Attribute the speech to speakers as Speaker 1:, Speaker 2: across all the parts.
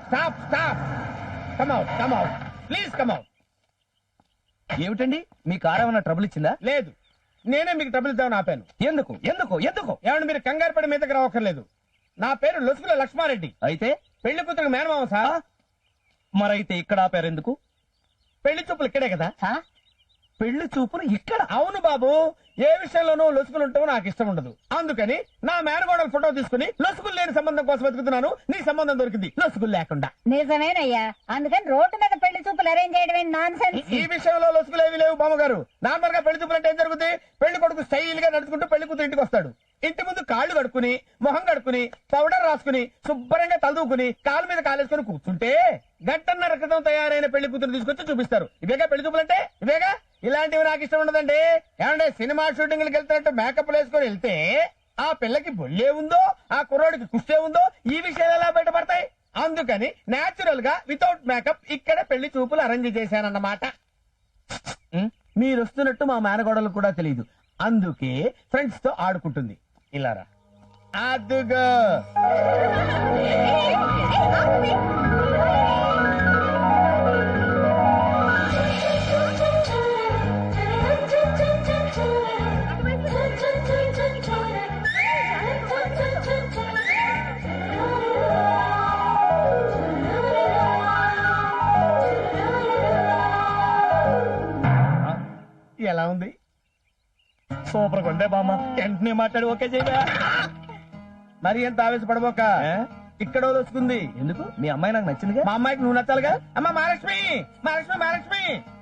Speaker 1: Stop stop come out come out please come out.
Speaker 2: ఏమిటండి మీ car ఏమైనా trouble ఇచ్చిందా?
Speaker 1: లేదు, నేనే మీకు ట్రబుల్ ఇద్దామని ఆపాను.
Speaker 2: ఎందుకు ఎందుకు ఎందుకు?
Speaker 1: ఏమంటే మీరు కంగారు పడి మీదకి రావక్కర్లేదు. నా పేరు లొసుగుల లక్ష్మారెడ్డి,
Speaker 2: అయితే
Speaker 1: పెళ్లి కూతురు మేనమామ సార్.
Speaker 2: మరైతే ఇక్కడ ఆపారు ఎందుకు?
Speaker 1: పెళ్లి చూపులు ఇక్కడే కదా.
Speaker 2: పెళ్లి చూపులు ఇక్కడ?
Speaker 1: అవును బాబు, ఏ విషయంలోనూ లొసుగులు ఉంటావో నాకు ఇష్టం ఉండదు. అందుకని నా మేనగోడల ఫోటో తీసుకుని లొసుగులు లేని సంబంధం కోసం వెతుకుతున్నాను. నీ సంబంధం దొరికింది లొసుగులు లేకుండా.
Speaker 3: నిజమేనయ్యా, అందుకని రోడ్డు మీద పెళ్లి చూపులు అరేంజ్ చేయడం నాన్ సెన్స్.
Speaker 1: ఈ విషయంలో లొసుగులు ఏవి లేవు బామ్మగారు. నార్మల్ గా పెళ్లి చూపులు అంటే ఏం జరుగుతుంది? పెళ్లి కొడుకు స్టైల్ గా నడుచుకుంటూ పెళ్లి కూతురు ఇంటికి వస్తాడు. ఇంటి ముందు కాళ్ళు కడుక్కుని మొహం కడుక్కుని పౌడర్ రాసుకుని శుభ్రంగా తలదూకుని కాలు మీద కాలేసుకుని కూర్చుంటే గంటన్నర క్రితం తయారైన పెళ్లి కూతురు తీసుకొచ్చి చూపిస్తారు. ఇవేగా పెళ్లి చూపులంటే, ఇవేగా. ఇలాంటివి నాకు ఇష్టం ఉండదండి. ఏమంటే సినిమా షూటింగ్లకు వెళ్తున్నట్టు మేకప్ వేసుకొని వెళ్తే ఆ పిల్లకి బొల్లే ఉందో ఆ కుర్రోడికి కుష్టే ఉందో ఈ విషయాలు ఎలా బయటపడతాయి? అందుకని నేచురల్ గా వితౌట్ మేకప్ ఇక్కడ పెళ్లి చూపులు అరేంజ్ చేశానన్నమాట. మీరు వస్తున్నట్టు మా మేనగోడలు కూడా తెలియదు. అందుకే ఫ్రెండ్స్ తో ఆడుకుంటుంది. ఇలారా అదుగో. ఎలా ఉంది?
Speaker 2: సూపర్ కొండే బామ్మ. వెంటనే మాట్లాడి ఓకే చేయగా.
Speaker 1: మరి ఎంత ఆవేశపడబోక. ఇక్కడ వస్తుంది.
Speaker 2: ఎందుకు? మీ అమ్మాయి నాకు నచ్చిందిగా.
Speaker 1: మా అమ్మాయికి నువ్వు నచ్చాలిగా. అమ్మా మహాలక్ష్మి మహాలక్ష్మి మహాలక్ష్మి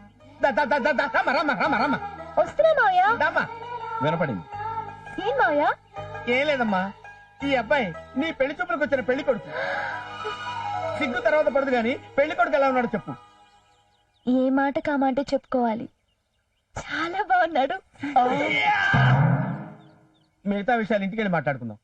Speaker 3: వస్తున్నా మావయ్య.
Speaker 2: వినపడింది.
Speaker 3: ఏం మావయ్య?
Speaker 1: ఏం లేదమ్మా, ఈ అబ్బాయి నీ పెళ్లి చూపులకు వచ్చిన పెళ్లి కొడుకు. సిగ్గు తర్వాత పడదు గాని పెళ్లి కొడుకు ఎలా ఉన్నాడు చెప్పు.
Speaker 3: ఏ మాట కామంటే చెప్పుకోవాలి, చాలా బాగున్నాడు.
Speaker 1: మిగతా విషయాలు ఇంటికి వెళ్ళి మాట్లాడుకుందాం.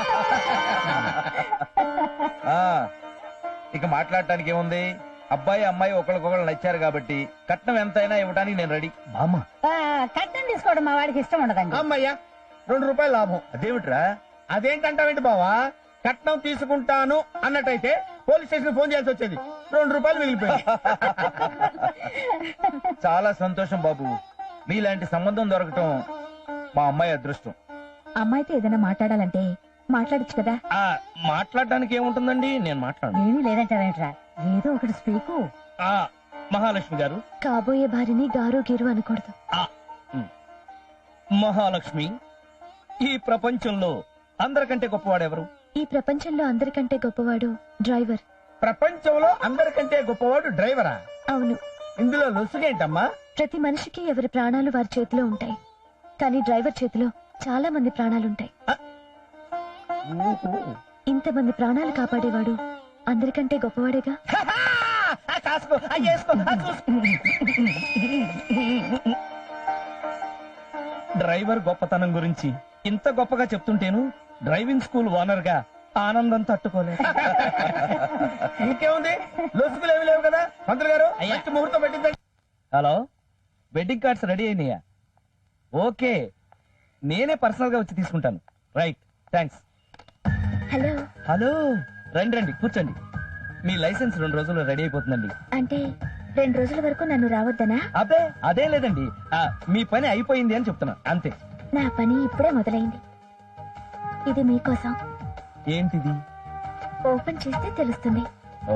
Speaker 2: ఇక మాట్లాడటానికి ఏముంది? అబ్బాయి అమ్మాయి ఒకరికొకరు నచ్చారు కాబట్టి కట్నం ఎంతైనా ఇవ్వడానికి నేను రెడీ. బామ్మ,
Speaker 3: కట్నం తీసుకోవడం మా వాడికి ఇష్టం ఉండదండి.
Speaker 1: అమ్మయ్యా, 2 రూపాయలు లాభం.
Speaker 2: అదేమిట్రా?
Speaker 1: అదేంటంటావేంటి బావా? కట్నం తీసుకుంటాను అన్నట్టయితే పోలీస్ స్టేషన్ ఫోన్ చేయాల్సి వచ్చేది. 2 రూపాయలు మిగిలిపోయింది.
Speaker 2: చాలా సంతోషం బాబు. మీలాంటి సంబంధం దొరకటం మా అమ్మాయి అదృష్టం.
Speaker 3: అమ్మాయితో ఏదైనా మాట్లాడాలంటే మాట్లాడచ్చు కదా.
Speaker 2: మాట్లాడడానికి ఏముంటుందండి, నేను మాట్లాడు.
Speaker 3: ఏమీ లేదంటావేంట్రా, ఏదో ఒకటి స్పీకు.
Speaker 2: మహాలక్ష్మి గారు,
Speaker 3: కాబోయే భార్యని గారు గీరు అనకూడదు.
Speaker 2: మహాలక్ష్మి, ఈ ప్రపంచంలో అందరికంటే గొప్పవాడెవరు?
Speaker 3: ఈ ప్రపంచంలో అందరికంటే గొప్పవాడు డ్రైవర్.
Speaker 1: ప్రపంచంలో అందరికంటే గొప్పవాడు డ్రైవరా?
Speaker 3: అవును.
Speaker 1: ఇందులో లొసుగేంటమ్మా?
Speaker 3: ప్రతి మనిషికి ఎవరి ప్రాణాలు వారి చేతిలో ఉంటాయి, కానీ డ్రైవర్ చేతిలో చాలా మంది ప్రాణాలుంటాయి. ఇంతమంది ప్రాణాలు కాపాడేవాడు అందరికంటే గొప్పవాడేగా.
Speaker 2: డ్రైవర్ గొప్పతనం గురించి ఇంత గొప్పగా చెప్తుంటేను డ్రైవింగ్ స్కూల్ ఓనర్ గా ఆనందం తట్టుకోలేదు.
Speaker 1: ఇంకేముంది, లొసుగులు ఏమి లేవు కదా. మంత్రి గారు మంచి ముహూర్తం పెట్టిందండి.
Speaker 2: హలో, వెడ్డింగ్ కార్డ్స్ రెడీ అయినాయా? ఓకే, నేనే పర్సనల్ గా వచ్చి తీసుకుంటాను. Right, thanks.
Speaker 3: హలో.
Speaker 2: హలో, రండి రండి కూర్చోండి. మీ లైసెన్స్ 2 రోజుల్లో రెడీ అయిపోతుందండి.
Speaker 3: అంటే 2 రోజుల వరకు నన్ను రావద్దనా?
Speaker 2: అబ్బే అదే లేదండి, మీ పని అయిపోయింది అని చెప్తున్నా అంతే.
Speaker 3: నా పని ఇప్పుడే మొదలైంది. ఇది మీకోసం.
Speaker 2: ఏంటిది?
Speaker 3: ఓపెన్ చేస్తే తెలుస్తుంది.
Speaker 2: ఓ,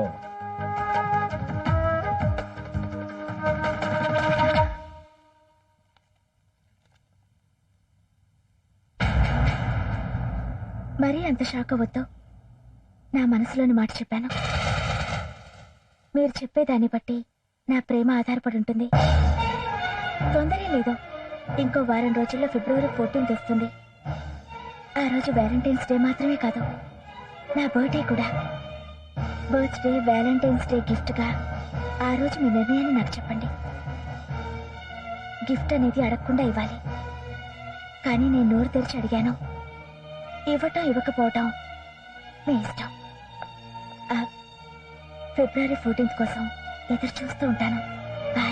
Speaker 3: మరీ అంత షాక్ అవ్వద్దు. నా మనసులోని మాట చెప్పాను. మీరు చెప్పేదాన్ని బట్టి నా ప్రేమ ఆధారపడి ఉంటుంది. తొందరే లేదు, ఇంకో వారం రోజుల్లో ఫిబ్రవరి 14th వస్తుంది. ఆ రోజు వ్యాలంటైన్స్ డే మాత్రమే కాదు, నా బర్త్డే కూడా. బర్త్డే, వ్యాలంటైన్స్ డే గిఫ్ట్ గా ఆ రోజు మీ నిర్ణయాన్ని నాకు చెప్పండి. గిఫ్ట్ అనేది అడగకుండా ఇవ్వాలి, కానీ నేను నోరు తెరిచి అడిగాను. ఇవ్వటం ఇవ్వకపోవటం మీ ఇష్టం. ఫిబ్రవరి 14th కోసం ఎదురు చూస్తూ ఉంటాను. బాయ్.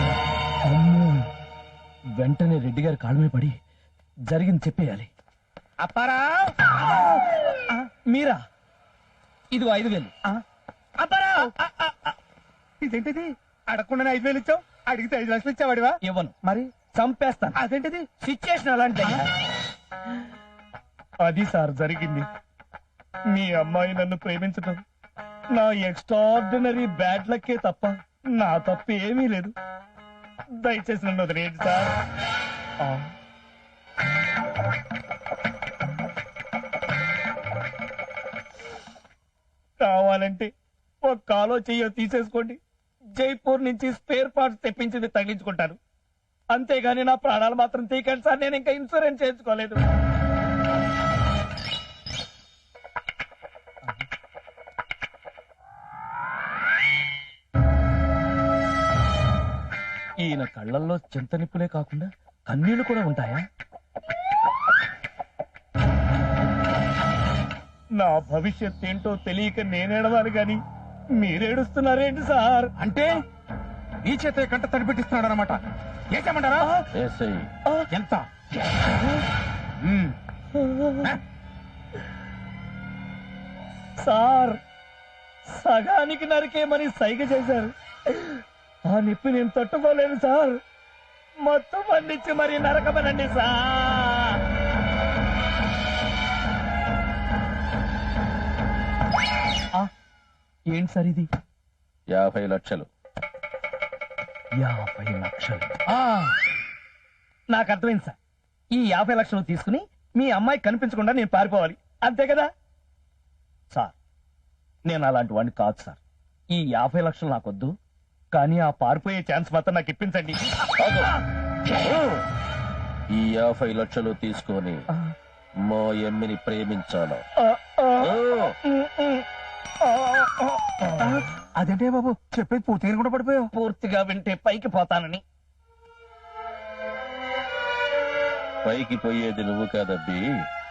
Speaker 2: వెంటనే రెడ్డి గారి కాళ్ళ మీద పడి జరిగింది చెప్పేయాలి.
Speaker 1: అప్పారావు
Speaker 2: మీరా? ఇదిగో 5,000.
Speaker 1: అప్పారావు ఇదేంటిది? అడగకుండా 5,000 ఇచ్చావు, అడిగితే 5 లక్షలు ఇచ్చావాడివా?
Speaker 2: ఇవ్వను,
Speaker 1: మరి
Speaker 2: చంపేస్తాను.
Speaker 1: అదేంటిది?
Speaker 2: సిచ్యుయేషన్ అలాంటి. అది సార్ జరిగింది. మీ అమ్మాయి నన్ను ప్రేమించటం నా ఎక్స్ట్రాడినరీ బ్యాడ్ లక్కే తప్ప నా తప్పు ఏమీ లేదు. దయచేసి నన్ను వదిలేయండి సార్. కావాలంటే ఒక కాలో చెయ్యో తీసేసుకోండి, జైపూర్ నుంచి స్పేర్ పార్ట్స్ తెప్పించింది తగిలించుకుంటాను. అంతేగాని నా ప్రాణాలు మాత్రం తీకండి సార్. నేను ఇంకా ఇన్సూరెన్స్ చేయించుకోలేదు. ఈయన కళ్ళల్లో చింతనిప్పులే కాకుండా కన్నీళ్లు కూడా ఉంటాయా? నా భవిష్యత్ ఏంటో తెలియక నేనేడవాలి గాని మీరేడుస్తున్నారేంటి సార్?
Speaker 1: అంటే నీ చేత కంట తడిపెట్టిస్తున్నాడు అనమాట. ఏమంటారా? ఎంత?
Speaker 2: సార్, సగానికి నరికేమని సైగ చేశారు. ఆ నొప్పి నేను తట్టుకోలేను సార్. మొత్తం పండించి మరి నరకమనండి సార్. ఏంటి సార్ ఇది?
Speaker 4: 50 లక్షలు.
Speaker 2: 50 లక్షలు? నాకు అర్థమైంది సార్. ఈ 50 లక్షలు తీసుకుని మీ అమ్మాయి కనిపించకుండా నేను పారిపోవాలి, అంతే కదా సార్? నేను అలాంటి వాడిని కాదు సార్. ఈ 50 లక్షలు నాకొద్దు, కానీ ఆ పారిపోయే ఛాన్స్ మాత్రం నాకు ఇప్పించండి.
Speaker 4: ఈ 50 లక్షలు తీసుకొని మా ఎమ్మిని ప్రేమించాలా?
Speaker 1: అదేంటే బాబు చెప్పేది పూర్తిగా కూడా పడిపోయావు.
Speaker 2: పూర్తిగా వింటే పైకి పోతానని.
Speaker 4: పైకి పోయేది నువ్వు కాదబ్బి,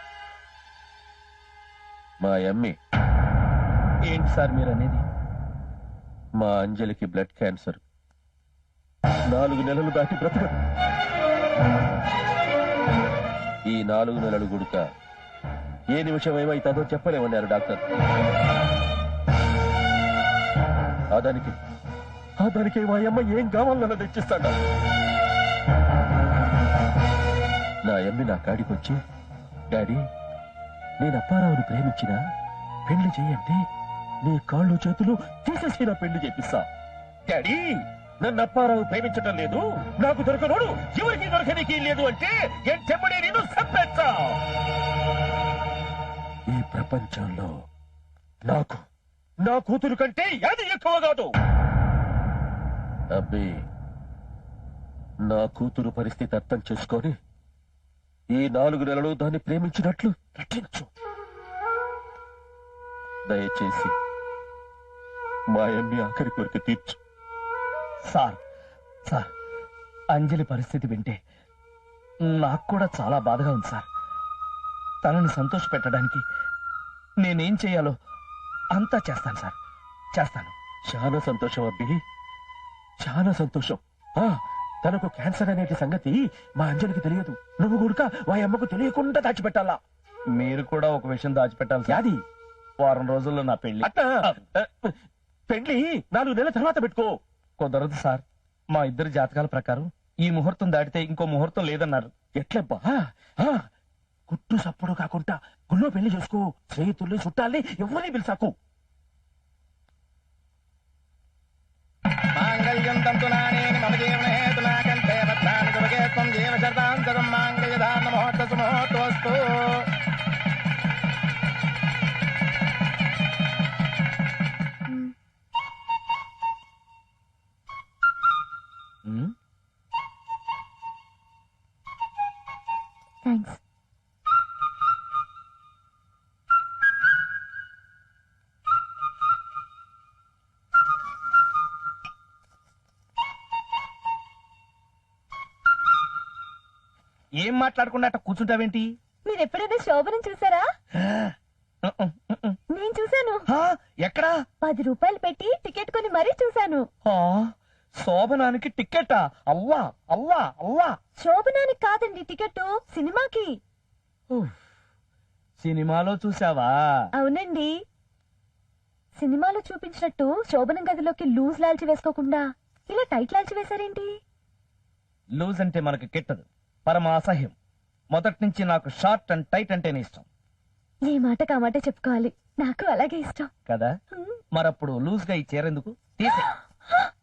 Speaker 4: మా ఎమ్మి.
Speaker 2: ఏంటి సార్ మీరు అనేది?
Speaker 4: మా అంజలికి బ్లడ్ క్యాన్సర్. 4 నెలలు దాటి బ్రతకదు. ఈ 4 నెలలు గుడుక ఏ నిమిషం ఏమైతుందో చెప్పలేమన్నారు డాక్టర్. దానికి మా అమ్మ ఏం కావాలన్నా తెచ్చిస్తాడా? నా అమ్మి నా కాడికి వచ్చి, డాడీ నేను అప్పారావుని ప్రేమించిన పెళ్లి చేయంటే నీ కాళ్ళు చేతులు తీసేసి నా పెళ్లి చేపిస్తా. డాడీ నన్ను అప్పారావు ప్రేమించటం లేదు, నాకు దొరకనోడు ఎవరికి దొరకనికి లేదు అంటే చెమ్మడే నేను చంపేస్తా. ఈ ప్రపంచంలో నాకు నా కూతురు కంటే అది ఎక్కువ కాదు. అబ్బి నా కూతురు పరిస్థితి అర్థం చేసుకొని ఈ 4 నెలలు దాన్ని ప్రేమించినట్లు నటించు. దయచేసి మా అమ్మి ఆఖరి కోరిక తీర్చు.
Speaker 2: సార్, అంజలి పరిస్థితి వింటే నాకు కూడా చాలా బాధగా ఉంది సార్. తనని సంతోష పెట్టడానికి నేనేం చేయాలో అంతా చేస్తాను సార్, చేస్తాను.
Speaker 4: చాలా సంతోషం అబ్బి, చాలా సంతోషం. తనకు క్యాన్సర్ అనేటి సంగతి మా అంజలికి తెలియదు. నువ్వు కూడా మా అమ్మకు తెలియకుండా దాచిపెట్టాలా.
Speaker 2: మీరు కూడా ఒక విషయం దాచిపెట్టాలి సార్.
Speaker 4: అది
Speaker 2: వారం రోజుల్లో నా పెళ్లి.
Speaker 4: పెళ్లి 4 నెలల తర్వాత పెట్టుకో.
Speaker 2: కుదరదు సార్. మా ఇద్దరి జాతకాల ప్రకారం ఈ ముహూర్తం దాటితే ఇంకో ముహూర్తం లేదన్నారు.
Speaker 4: ఎట్లబ్బా? కుట్టు సప్పుడు కాకుండా గుళ్ళో పెళ్లి చేసుకో. స్నేహితుల్ని చుట్టాలని ఎవరిని పిలిచాకు.
Speaker 1: మాంగళ్యం తంతునానేని మమ జీవన హేతునా కంఠే బద్ధాని శుభగే త్వం జీవ శరదాం శతం మాంగళ్యధారణ మహోత్తసు మహోత్తోస్తు.
Speaker 3: థ్యాంక్స్.
Speaker 2: ఏం మాట్లాడకుండా అట్ట కూర్చుంటావేంటి?
Speaker 3: మీరు ఎప్పుడైనా శోభనం చూసారా? నేను చూసాను.
Speaker 2: ఎక్కడా?
Speaker 3: 10 రూపాయలు పెట్టి టికెట్ కొని మరీ చూసాను.
Speaker 2: శోభనానికి టికెటా? అవ్వా అవ్వా అవ్వా.
Speaker 3: శోభనానికి కాదండి టికెట్, సినిమాకి.
Speaker 2: సినిమాలో చూసావా?
Speaker 3: అవునండి, సినిమాలో చూపించినట్టు శోభనం గదిలోకి లూజ్ లాల్చి వేసుకోకుండా ఇలా టైట్ లాల్చి వేశారేంటి?
Speaker 2: లూజ్ అంటే మనకు కిట్టదు, పరమ అసహ్యం. మొదటి నుంచి నాకు షార్ట్ అండ్ టైట్ అంటేనే ఇష్టం
Speaker 3: ఏ మాట కామాటే చెప్పుకోవాలి, నాకు అలాగే ఇష్టం.
Speaker 2: కదా.
Speaker 3: హ్మ్.
Speaker 2: మరప్పుడు లూజ్ గా ఈ చీర ఎందుకు? తీసే.